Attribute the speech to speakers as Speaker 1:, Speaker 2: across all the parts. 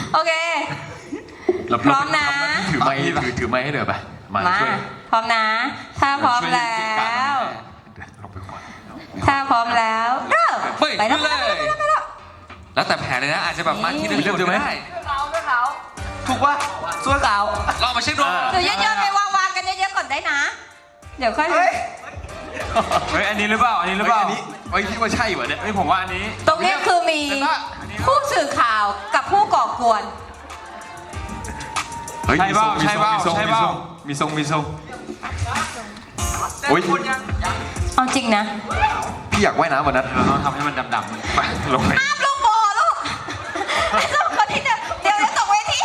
Speaker 1: โอเคพร้อมนะ
Speaker 2: ถือไม้ให้เดี๋ยวไปมาช่วย
Speaker 1: พร้อมนะ ถ้าพร้อมแล้วถ้าพร้อมแล้วเริ่ม
Speaker 3: ไปเลยแล้วแต่แผนเลยนะอาจจะแบบมาที่หนึ่งคนก็ได้
Speaker 2: ถูกป่ะส่วนขาว
Speaker 3: ลองมาเช็คดู
Speaker 1: หรือเยอะๆไปวางกันเยอะๆก่อนได้นะ เดี๋ยวค่อย
Speaker 4: เฮ้ยอันนี้หรือเปล่าอันนี้หรือเปล่า
Speaker 2: ไอ้คิดว่าใช่เหรอเนี่ย
Speaker 4: เฮ้ยผมว่าอันนี้
Speaker 1: ตรงนี้คือมีผู้สื่อข่าวกับผู้ก่อกวน
Speaker 4: ใช่เปล่าใช่เปล่าใช่เปล่ามีทรงโอ้ย
Speaker 1: เอาจริงนะ
Speaker 2: พี่อยากว่ายน้ำวันนั้น
Speaker 4: เราต้องทำให้มันดำๆไปลงไป
Speaker 1: ห้ามลูกโบลูกคนที่จะเดี๋ยวตกเวที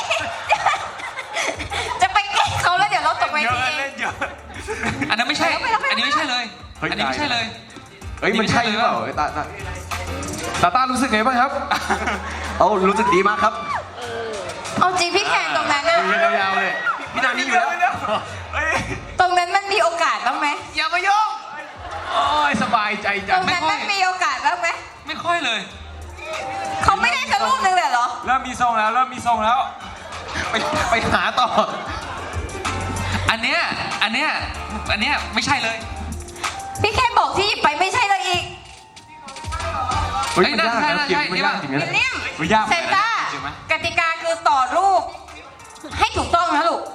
Speaker 1: จะไปแกล้งเขาแล้วเดี๋ยวเราตกเวที
Speaker 4: เล่นเยอะ
Speaker 3: อันนั้นไม่ใช่อันนี้ไม่ใช่เลยอันนี้ไม่ใช่เลย
Speaker 2: เฮ้ยมันใช่หรือเปล่าตารู้สึกไงบ้างครับ เอารู้สึกดีมากครับ
Speaker 1: เอาจริงพี่แข่งตรงนั้นอะ
Speaker 2: ยืนยาวๆเลยพี่นานี่อยู่แล้ว
Speaker 1: ตรงนั้นมันมีโอกาสบ้างไหม
Speaker 2: อย่ามายุ่งโอ้ยสบายใจ
Speaker 1: ต
Speaker 2: จั
Speaker 1: รง งนั้นมันมีโอกาสบ้างไหม
Speaker 3: ไม่ค่อยเลย
Speaker 1: เขาไม่ได้สักรูปนึงเลยเหรอ
Speaker 4: เริ่มมีทรงแล้ว
Speaker 2: ไปหาต่อ
Speaker 3: อันเนี้ยไม่ใช่เลย
Speaker 1: พี่แค่บอกที่หยิบไปไม่ใช่เลยอีก
Speaker 2: เฮ้ยมันยากนะ
Speaker 3: ใช่
Speaker 2: เก็บมันยากจริง
Speaker 1: วิ
Speaker 2: นะ
Speaker 1: ลเลียม
Speaker 4: มันยาก
Speaker 1: เซนต้า
Speaker 4: จริงไหม
Speaker 1: กติกาคือต่อรูป ให้ถูกต้องนะลูก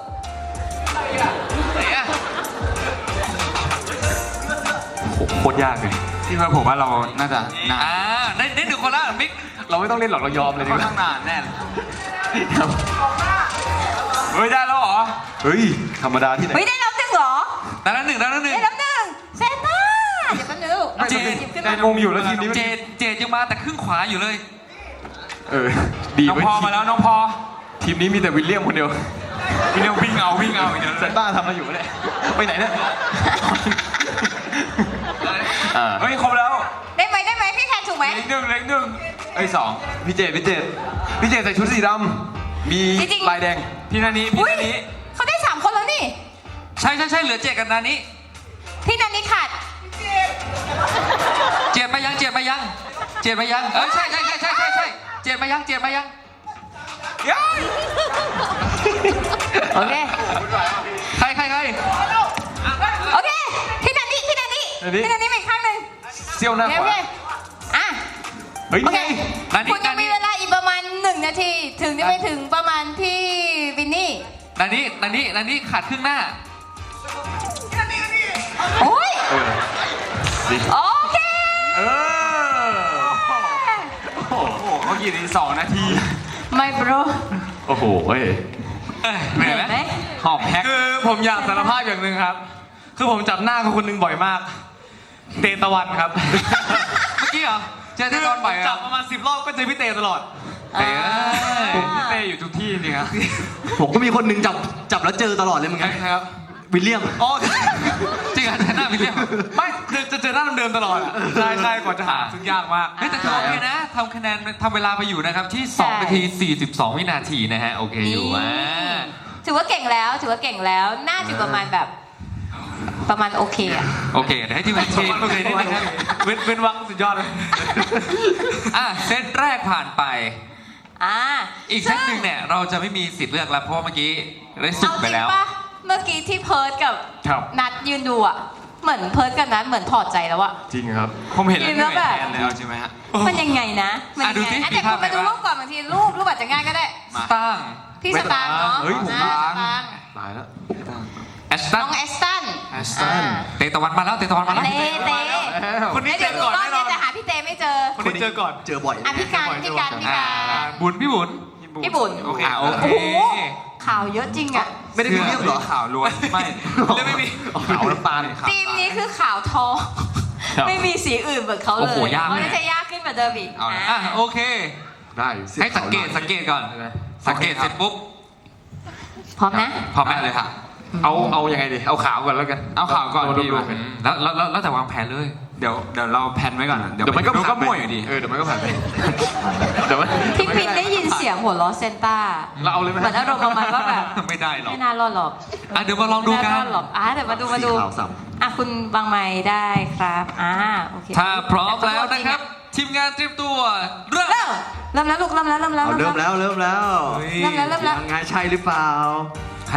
Speaker 2: โคตรยากเลย
Speaker 4: ที่ว่าผมว่าเราน่าจะนาน
Speaker 3: ได้หนึ่งคนละมิก
Speaker 2: เราไม่ต้องเล่นหรอกเรายอมเลยดี
Speaker 4: ค่อก น
Speaker 2: ว่า
Speaker 4: ข้างนานแน่เลยเฮ้ยได้แล้วเหรอ
Speaker 2: เฮ้ยธรรมดาที่ไหน
Speaker 1: เฮ้ยได้รับหนึ่งเหรอ
Speaker 3: ได้แล้วหนึ่ง
Speaker 1: ได้รับหนึ่งเซนต้าเดี๋ยวแป๊บนึงลูก
Speaker 3: เจน
Speaker 1: หยิบขึ้น
Speaker 4: ได้
Speaker 1: มาง
Speaker 4: งอยู่แล้วทีมนี้
Speaker 3: เจดยังมาแต่ครึ่งขวาอยู่เลย
Speaker 2: ดี
Speaker 4: น้อง
Speaker 2: ไว้
Speaker 4: พอมาแล้วน้องพอ
Speaker 2: ทีมนี้มีแต่วิลเลียมคนเดียว
Speaker 4: วิ่งเอาอย่างเดียว
Speaker 2: เซนต้าทำอะไรอยู่เนี่ยไปไหนเนี่ย
Speaker 4: เฮ้ยครบแล้ว
Speaker 1: ได้ไหมพี่แคนถูกไหม
Speaker 4: เล็กหนึ่งเอ้ยสอง
Speaker 2: พี่เจใส่ชุดสีดำมีลายแดง
Speaker 4: พี่นานี้
Speaker 1: อุ้ยเขาได้3 คนแล้วนี่
Speaker 3: ใช่เหลือเจดกับนานี้
Speaker 1: พี่นันนี่ขาด
Speaker 3: เจดมายังเอ้ยใช่เจดมายัง
Speaker 1: โอเค
Speaker 3: ใคร
Speaker 1: โอเค พี่นันนี่มาอีกข้างหนึ่ง
Speaker 2: เซี่ยวหน้า
Speaker 1: โอ
Speaker 2: ข
Speaker 1: เคโอ
Speaker 2: วา
Speaker 1: เคอ่ะ
Speaker 2: เฮ้ย
Speaker 1: โอ
Speaker 2: นี่
Speaker 1: เค
Speaker 2: ไง
Speaker 1: คุณยังมีเวลาอีกประมาณ1 นาที ถึงจะไปถึงประมาณพี่วินนี่
Speaker 3: นานี้ขาดครึ่งหน้า
Speaker 1: โอ้ย โอเค
Speaker 2: เออ
Speaker 4: โอ้โหเขากี่นาที2 นาที
Speaker 1: ไม่โปร
Speaker 2: โอ้โหเฮ้ย
Speaker 3: เหนื่อยไหม
Speaker 4: หอบแฮก
Speaker 5: คือผมอยากสารภาพอย่างหนึ่งครับ คือผมจับหน้าคนหนึ่งบ่อยมาก เตตะวันครับ
Speaker 3: เมื่อกี้เหรอเจอแต่ตอนบ่าย
Speaker 5: จับประมาณ10 รอบก็เจอพี่เตตลอด
Speaker 4: พี่เต้อยู่ทุกที่จริงครับ
Speaker 6: ผมก็มีคนหนึ่งจับแล้วเจอตลอดเลยเหมือนกัน
Speaker 5: ครับ
Speaker 6: วิลเลียม
Speaker 5: อ๋อ
Speaker 3: จริงเหรอหน้าวิลเลียม
Speaker 5: ไม่จะเจอหน้าเดิมๆตลอดอะใช่กว่าจะหาซึ่งยากมาก
Speaker 3: เฮ้ยแต่โอเคนะทำคะแนนทำเวลาไปอยู่นะครับที่2 นาที 42 วินาทีนะฮะโอเคอยู่
Speaker 1: ถือว่าเก่งแล้ว น่าจะประมาณแบบประมาณโอเคอะ
Speaker 3: โอเคเดี๋ยวให้ทีมงานเชียร์โอเคนิดนึงครับ
Speaker 5: เว้นวักสุดยอดเลย
Speaker 3: เซตแรกผ่านไป
Speaker 1: อ่า
Speaker 3: อีกเซตหนึ่งเนี่ยเราจะไม่มีสิทธิ์เลือกแล้วเพราะว่าเมื่อกี้ได้สุก
Speaker 1: เอา
Speaker 3: ไป
Speaker 1: จริง
Speaker 3: แล้ว
Speaker 1: ปะเมื่อกี้ที่เพิร์ดกับ
Speaker 4: ครับ
Speaker 1: นัดยืนดูอะเหมือนเพิร์ดกับนัดเหมือนถอดใจแล้วอะ
Speaker 2: จริงครับ
Speaker 4: ผมเห็นแล้ว
Speaker 1: กิน
Speaker 4: เห
Speaker 1: แล้
Speaker 4: นื่
Speaker 1: ว
Speaker 4: อย
Speaker 1: แบบ
Speaker 4: แทนแล้วใช่ไหมฮะ
Speaker 1: มันยังไงนะมันยัง
Speaker 3: ดูสิ
Speaker 1: ไง
Speaker 3: มี
Speaker 1: แต่
Speaker 3: ภา
Speaker 1: คุ
Speaker 3: พ
Speaker 1: ณมาดู
Speaker 3: ไหน
Speaker 1: รูปก่อนบางทีรูปอาจจะง่ายก็ได้
Speaker 3: สตางค์
Speaker 1: พี่สตางค์เนาะ
Speaker 2: เฮ้ยผม
Speaker 1: อ่า
Speaker 4: ล้าง
Speaker 1: สตางค์
Speaker 2: ตายแล้ว
Speaker 3: แอสตั
Speaker 1: น้
Speaker 3: น
Speaker 1: องแอสตัน
Speaker 4: แอสตัน
Speaker 3: เตะตะวันมาแล้ว
Speaker 1: เต้
Speaker 5: คนนี้เจ
Speaker 1: เดี๋ยว
Speaker 5: อ
Speaker 1: ดู
Speaker 5: ก่อน
Speaker 1: กล้อง
Speaker 5: แน่นอน
Speaker 1: จะหาพี่เต้ไม่เจอ
Speaker 5: คนนี้เจอก่อน
Speaker 6: เจอบ่อย
Speaker 1: อ่ะพี่การ
Speaker 3: บุญพี่บุญ
Speaker 1: พี่บุญ
Speaker 4: โอเค
Speaker 3: โอเค
Speaker 1: โอ้โหข่าวเยอะจริงอะ
Speaker 6: ไม่ได้วิลเลียมเหรอ
Speaker 4: ข่าวล้วนไม่
Speaker 5: เรื่องไม่มี
Speaker 2: ขาวน้ำตาล
Speaker 1: ทีมนี้คือข่าวทอง
Speaker 2: ครับ
Speaker 1: ไม่มีสีอื่นเหมือนเขาเลย
Speaker 3: โอ้โหยาก
Speaker 1: เพราะน่าจะยากขึ้นกว่าเดิมอีก
Speaker 3: โอเค
Speaker 2: ได้
Speaker 3: ให้สังเกตก่อน สังเกตเสร็จปุ๊บ
Speaker 1: พร้อมนะ
Speaker 3: พร้อมไหม
Speaker 4: เลยค่ะ
Speaker 2: เอายังไงดีเอาขาวก่อนแล้วกัน
Speaker 4: เอาข่าวก่อนพี่
Speaker 2: ดู
Speaker 4: มา
Speaker 3: แล้วแต่วางแผนเลย
Speaker 4: เดี๋ยวเราแพนไว้ก่อน
Speaker 2: เดี๋ยวมันก็
Speaker 4: ดูก็
Speaker 2: ผ่านไป
Speaker 4: มั่วอยู่ดี
Speaker 2: เดี๋ยวมันก็ผ่านไปเดี๋ยวมัน
Speaker 1: พี่ปินได้ยินเสียงหัวล้อเซนต้า
Speaker 2: เราเอาเลยไหม
Speaker 1: เหมือนอารมณ์ประมาณว่าแบบ
Speaker 3: ไม่ได้หรอก
Speaker 1: ไม่น่ารอดหรอก
Speaker 3: เดี๋ยวมาลองดูกัน
Speaker 1: ไม่น่ารอดหรอกเดี๋ยวมาดู
Speaker 6: สีขาวสับ
Speaker 1: คุณวางไม้ได้ครับโอเค
Speaker 3: ถ้าพร้อมแล้วนะครับ ทีมงานเตรียมตัวเริ่ม
Speaker 1: เริ่มเริ่มแล้วลูกเริ่มแล้วเริ่มแล้ว
Speaker 6: เอาเริ่มแล้วเริ่มแล้ว
Speaker 1: เริ่มแล้วเริ่มแล้ว
Speaker 6: ยังไงใช่หรือเปล่า
Speaker 3: ใคร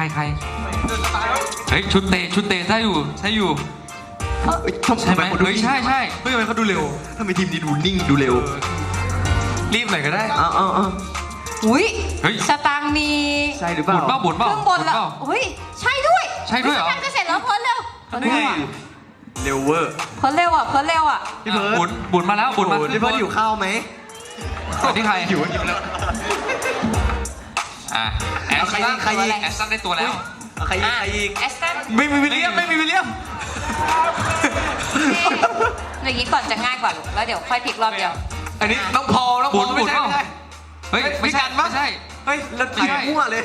Speaker 3: เฮ้ยชุดเตะใช่อยู่
Speaker 6: เอ้ย
Speaker 3: ใช่ไหม
Speaker 6: คนดู
Speaker 3: เฮ้ยใช่
Speaker 5: เฮ้ยทำไมเขาดูเร็ว
Speaker 6: ทำไมทีมนี้ดูนิ่งดูเร็ว
Speaker 5: รีบหน่อยก็ได้
Speaker 6: เอา
Speaker 1: อุ้ย
Speaker 3: เฮ้ย
Speaker 1: สตางค์มี
Speaker 6: ใช่หรือเปล่า
Speaker 3: บุญเปล่า
Speaker 1: เครื่องบนแล้วอุ้ยใช่ด้วย
Speaker 3: ใช่ด้วยเหรอ
Speaker 1: สตางค์จะเสร็จแล้วเพ้นเร็วเพ้นเร็วอ่ะ
Speaker 6: เร็วเวอร์
Speaker 1: เพ้นเร็วอ่ะเพ้นเร็วอ่ะ
Speaker 6: พี่เพิร์ด
Speaker 3: บุญมาแล้วบุญมา
Speaker 6: โอ้โหพี่เพิร์ดหิวข้าวไหม
Speaker 3: สวัสดีใคร
Speaker 6: หิวแล้ว
Speaker 3: อ่ะแอส
Speaker 6: ใคร
Speaker 3: ตั
Speaker 6: อี
Speaker 3: น
Speaker 6: กใครอีก
Speaker 3: แอสตันได้ตัวแล้ว
Speaker 6: เอาใครอีกใครอีก
Speaker 1: แอสตัน
Speaker 5: ไม่มีวิลเลียมไม่มีวิลเลียม
Speaker 1: อย่างนี้ก่อนจะง่ายกว่าลูกแล้วเดี๋ยวค่อยพลิกรอบเดียว
Speaker 5: อันนี้น้องพอลน้องพอล
Speaker 3: บุญ
Speaker 5: ไม่ใช่
Speaker 3: บุญ
Speaker 5: ไม่ใช่
Speaker 3: เฮ้ยไม่ใช่
Speaker 5: พี่กันปะ
Speaker 3: ไม่ใช่
Speaker 5: เฮ้ยแล้ว
Speaker 3: ไม่ใช่
Speaker 6: มั่วเลย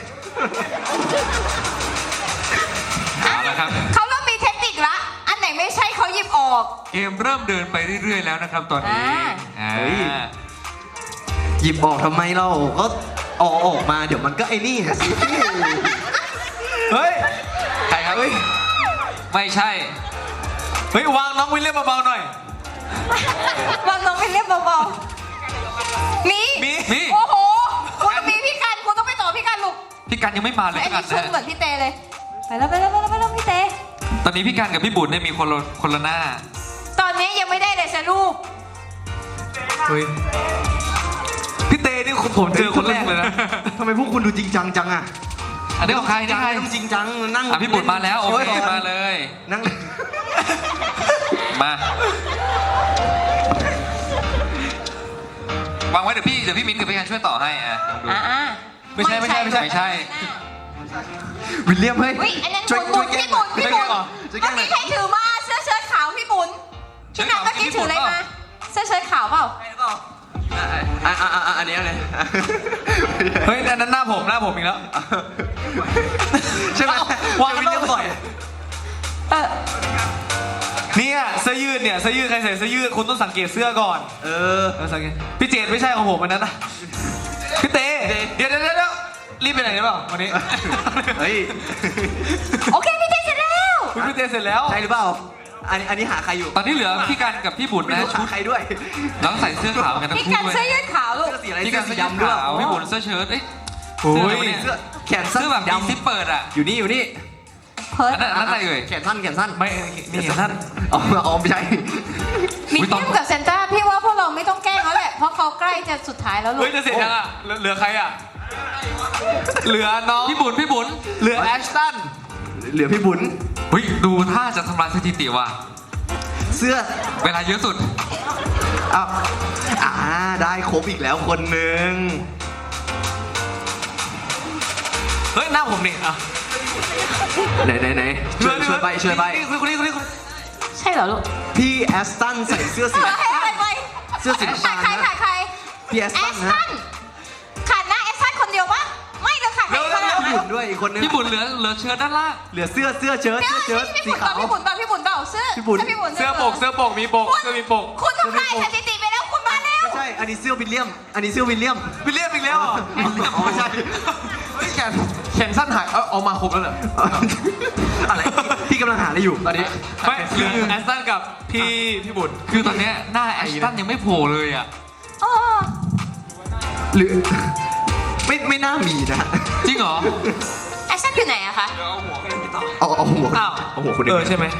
Speaker 3: เอาละครับ
Speaker 1: เขาเริ่มมีเทคนิคละอันไหนไม่ใช่เขาหยิบออก
Speaker 3: เกมเริ่มเดินไปเรื่อยๆแล้วนะครับตอนนี้อ่า
Speaker 6: เฮ้ย หยิบออกทำไมเราก็เอาออกมาเดี๋ยวมันก็ไอ้นี่สิ
Speaker 5: เฮ้ย
Speaker 3: ใครครับ ไม่ใช่
Speaker 5: เฮ้ยวางน้องวิลเลียมเบาๆหน่อย
Speaker 1: วางน้องไปเรียบเบาๆมี
Speaker 5: มี
Speaker 1: โอ้โหคุณต้องมีพี่กันคุณต้องไปต่อพี่กันลูก
Speaker 3: พี่กันยังไม่มาเลย
Speaker 1: ไอ้
Speaker 3: พี่กั
Speaker 1: นี่
Speaker 3: น
Speaker 1: ชุด
Speaker 3: นะ
Speaker 1: เหมือนพี่เตเลยไปแล้วพี่เต
Speaker 3: ตอนนี้พี่กันกับพี่บุญเนี่ยมีคนละหน้า
Speaker 1: ตอนนี้ยังไม่ได้เลยสรูป
Speaker 5: เฮ้ยพี่เต้นี่ผมเจอคนแรกเลยนะ
Speaker 6: ทำไมพวกคุณดูจริงจังจังอะ
Speaker 3: อันนี้ของใครนี่ใคร
Speaker 6: ไม่ต้องจริงจังนั่ง
Speaker 3: อ่ะพี่บุญมาแล้วโอเคมาเลย
Speaker 6: นั่งเล่น
Speaker 3: มาวางไว้เดี๋ยวพี่มิ้นกับพี่กันช่วยต่อให้อ่ะลองดู
Speaker 5: ไม่ใช่
Speaker 3: ไม่ใช่
Speaker 6: วิลเลียมเฮ้ย
Speaker 1: อุ้ยอันนั้น
Speaker 6: ช่วย
Speaker 1: บุญ
Speaker 6: แก้
Speaker 1: พี่บุญ
Speaker 6: ช่วยแก้หน่อยช่วยแก้
Speaker 1: เมื่อ
Speaker 6: หน่อย
Speaker 1: กี้ใครถือมาเสื้อเชิ้ตขาวพี่บุญพี่นันเมื่อกี้ถืออะไรมาเสื้อเชิ้ตขาวเปล่า
Speaker 6: อันนี้อะไร
Speaker 5: เฮ้ยอันนั้นหน้าผมอีกแล้ว
Speaker 6: ใช่ไหม
Speaker 5: วางวิลเลียมบ่อย
Speaker 1: เออ
Speaker 5: เนี่ยเสื้อยืดเนี่ยเสื้อยืดใครใส่เสื้อยืดคุณต้องสังเกตเสื้อก่อน
Speaker 6: เออ
Speaker 5: สังเกตพี่เจดไม่ใช่ของผมอันนั้นนะพี่เต้เดี๋ยวรีบไปไหนหรือเปล่าวันนี้
Speaker 6: เฮ้ย
Speaker 1: โอเคพี่เตเสร็จแล้ว
Speaker 5: คุณพี่เต้เสร็จแล้ว
Speaker 6: ใช่หรือเปล่าอันนี้หาใครอยู่
Speaker 3: ตอนนี้เหลือพี่กันกับพี่บุญ
Speaker 6: ไม่
Speaker 3: นะ
Speaker 6: รู้
Speaker 3: ชุ
Speaker 6: หา
Speaker 3: ด
Speaker 6: ใครด้วย
Speaker 3: น้องใส่เสื้อขาวกันทั้ง
Speaker 1: พี่
Speaker 3: คู่
Speaker 1: กัน
Speaker 3: เลย
Speaker 1: เสื้อยืดขาวลูก
Speaker 6: เสื้อสีอะไร
Speaker 3: พี่กัน
Speaker 6: เสื้
Speaker 3: เสื้
Speaker 6: อ
Speaker 3: อ
Speaker 6: สีดำด้วย
Speaker 3: ขาวพี่บุญเสื้อเชิ้ตเอ้ย
Speaker 5: โอ้ย
Speaker 3: เสื้อ
Speaker 6: แขนสั้น
Speaker 3: เสื้อแบบ
Speaker 6: ด
Speaker 3: มีซิปเปิดอ่ะ
Speaker 6: อยู่นี่
Speaker 1: เพิร์ด
Speaker 3: อันนั้นอะไรเอ่ย
Speaker 6: แขนสั้น
Speaker 5: ไม่นี่ท่าน
Speaker 6: อ๋อไม่ใช่
Speaker 1: มีเทียมกับเซนต้าพี่ว่าพวกเราไม่ต้องแกล้งเขาแหละเพราะเขาใกล้จะสุดท้ายแล้วลู
Speaker 5: เฮ้ย
Speaker 1: ก
Speaker 5: จะเสร็จยังอ่ะเหลือใครอ่ะเหลือน้อง
Speaker 3: พี่บุญ
Speaker 5: เหลือแอชตัน
Speaker 6: เหลือพี่บุญ
Speaker 3: เฮ้ยดูท่าจะทำลายสถิติว่ะ
Speaker 6: เสื้อ
Speaker 3: เวลาเยอะสุด
Speaker 6: อ้าวได้ครบอีกแล้วคนหนึ่ง
Speaker 5: เฮ้ยหน้าผมนี่อ่ะ
Speaker 6: ไหนช่วยใบ
Speaker 5: นี่คนนี้
Speaker 1: ใช่เหรอลูก
Speaker 6: พี่แอสตันใส่เสื้อสี
Speaker 1: ให้อะไรไป
Speaker 6: เสื้อสี
Speaker 1: ขาด
Speaker 6: น้ำ
Speaker 1: ใคร
Speaker 6: ตาล
Speaker 1: ขาดใคร
Speaker 6: พี่แอส
Speaker 1: แอ
Speaker 6: ตัน
Speaker 1: ส
Speaker 6: นะ
Speaker 1: ตันขาดหน้าแอสตันคนเดียวปะไม่เดี๋ยวขาดใครคน
Speaker 6: พี่บุญด้วยอีกคนนึง
Speaker 3: พี่บุญเหลือเชิ้ตด้านล่าง
Speaker 6: เหลือเสื้อเชิ้ต
Speaker 1: เดี๋ยว
Speaker 6: เชิ้ต
Speaker 1: พี่
Speaker 6: สี
Speaker 1: บุญ
Speaker 6: ขาว
Speaker 1: พี่บุญเปล่าเสื้อ
Speaker 6: พี่บุญ
Speaker 1: พี่บุญ
Speaker 5: เสื้อปกมีปกเสื้อมีปก
Speaker 1: คุณทำลายสถิติไปแล้วคุณมาแล้ว
Speaker 6: ไม่ใช่ อันนี้เสื้อวิลเลียม อันนี้เสื้อวิลเลียม
Speaker 5: วิลเลียมอีกแล้วเหรอ
Speaker 6: อ๋อไม่ใช่
Speaker 5: แขนสั้นหายเอามาครบแล้วเหรอ
Speaker 6: อะไรพี่กำลังหาอะไรอยู่ตอนนี้
Speaker 5: ไม่เหลือแอสตันกับพี่บุญ
Speaker 3: คือตอนเนี้ยหน้าแอชตันยังไม่โผล่เลยอ่ะ
Speaker 1: อ๋อ
Speaker 6: หรือไม่น่ามีนะ
Speaker 3: จริงเหรอ
Speaker 1: แอสตันอยู่ไหนอะคะ
Speaker 6: เอาหัว
Speaker 5: อ้าว
Speaker 6: เอาหัวคนอื่น
Speaker 5: ใช่ไหม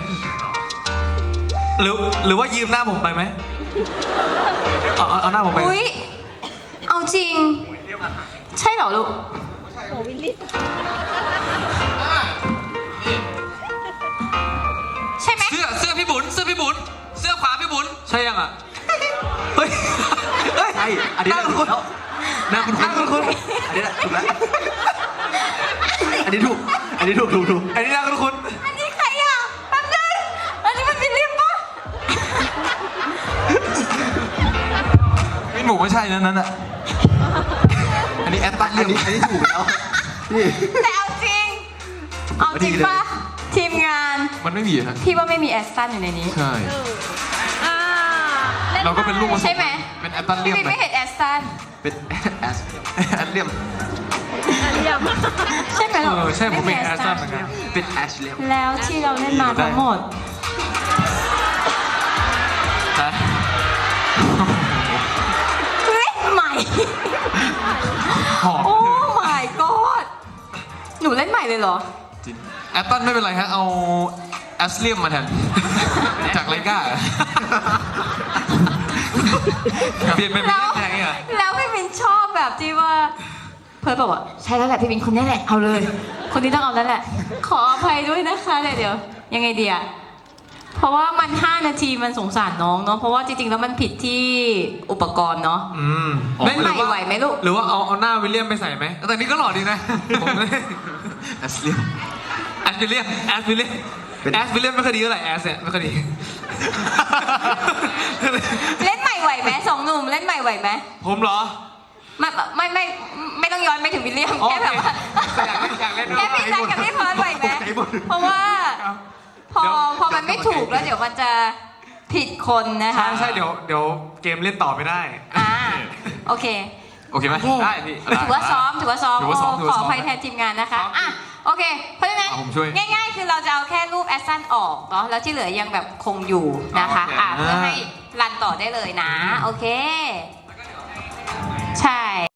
Speaker 5: หรือว่ายืมหน้าผมไปไหมเอาหน้าผมไป
Speaker 1: อุ้ยเอาจริง ใช่เหรอลูกใช่ไหม
Speaker 3: เสื้อพี่บุญเสื้อขวาพี่บุญ
Speaker 5: ใช่ยังอ่ะเฮ้ย
Speaker 6: ใช่ อันนี้ถูกแล้วหน้าคุณอันนี้แหละถูกแล้ว อันนี้ถูก
Speaker 5: อันนี้น่าคุ้น
Speaker 1: อันนี้ใครอ่ะแป๊บนึงอันนี้มันเป็นลิมปะ
Speaker 5: มินหมูไม่ใช่นั้นอ่ะ
Speaker 6: อันนี้แอตตันอันนี้ถูกแล้วนี่
Speaker 1: แต่เอาจริงปะทีมงาน
Speaker 5: มันไม่มีฮะ
Speaker 1: พี่ว่าไม่มีแอสตันอยู่ในนี้
Speaker 5: ใช่ เราก็เป็นลูกผสม
Speaker 1: ใช่ไหม
Speaker 5: เป็นแอตตันเลี
Speaker 1: พี่
Speaker 5: ยม
Speaker 1: วินไม่เห็นแอสตัน
Speaker 6: เป็นแอสเลียม
Speaker 1: ใช่ไหมหรอ
Speaker 5: ใช่ผมเป็นแอสตันเหมือนกัน
Speaker 6: เป็นแอชเลียม
Speaker 1: แล้วที่เราเล่นมาทั้งหมด
Speaker 3: ฮะ
Speaker 1: เล่นใหม่
Speaker 3: หอม
Speaker 1: โอ้ my god หนูเล่นใหม่เลยเหรอ
Speaker 3: แอตตันไม่เป็นไรฮะ เอาแอสเลียมมาแทน จากไลกาเปลี่ยนเป็นมิล
Speaker 1: แล้ว
Speaker 3: เลียนแทนอ่ะ
Speaker 1: แล้วพี่มินชอบแบบที่ว่า เพิร์ดบอกว่าใช่แล้วแหละพี่มินคนนี้แหละเอาเลย คนนี้ต้องเอาแล้วแหละ ขออภัยด้วยนะคะเดี๋ยวยังไงดีอะเพราะว่ามัน5 นาทีมันสงสารน้องเนาะเพราะว่าจริงๆแล้วมันผิดที่อุปกรณ์เนาะ เล่นใหม่ไหวไหมลูก
Speaker 5: หรือว่าเอาหน้าวิลเลียมไปใส่ไหม
Speaker 3: แต่นี่ก็หล่อดีนะ
Speaker 5: ผมเลย
Speaker 6: แอสเลียม
Speaker 5: แอสวิลเลียมแอสวิลเลียมแอสวิลเลียมไม่ค่อยดีเท่าไหร่แอสเนี่ยไม่ค่อยดี
Speaker 1: เล่นใหม่ไหวไหมสองหนุ่มเล่นใหม่ไหวไหม
Speaker 5: ผมเหรอ
Speaker 1: ไม่ต้องย้อนไปถึงวิลเลียม
Speaker 5: โอเค
Speaker 1: แค่แบบว่า
Speaker 5: อยากเล่น
Speaker 1: แค่พี่จันกับพี่เพิร์ดไหวไหมเพราะว่าพอมันไม่ถูกแล้วเดี๋ยวมันจะผิดคนนะคะ
Speaker 5: ใช่เดี๋ยวเกมเล่นต่อไม่ได้
Speaker 1: โอเค
Speaker 3: โอเคไหม
Speaker 5: ได้พี่
Speaker 1: ถือว่าซ้อม
Speaker 3: ถือว่าซ้อม
Speaker 1: ข
Speaker 3: ถือว่าซ้
Speaker 1: อ
Speaker 3: อม
Speaker 1: อภัยแทนทีมงานนะคะอ่ะโอเค เพราะฉะนั้น
Speaker 3: ผมช่วย
Speaker 1: ง่ายๆ คือเราจะเอาแค่รูปแอสซันออกเนาะแล้วที่เหลือยังแบบคงอยู่นะคะเพื่อให้รันต่อได้เลยนะ โอเค ใช่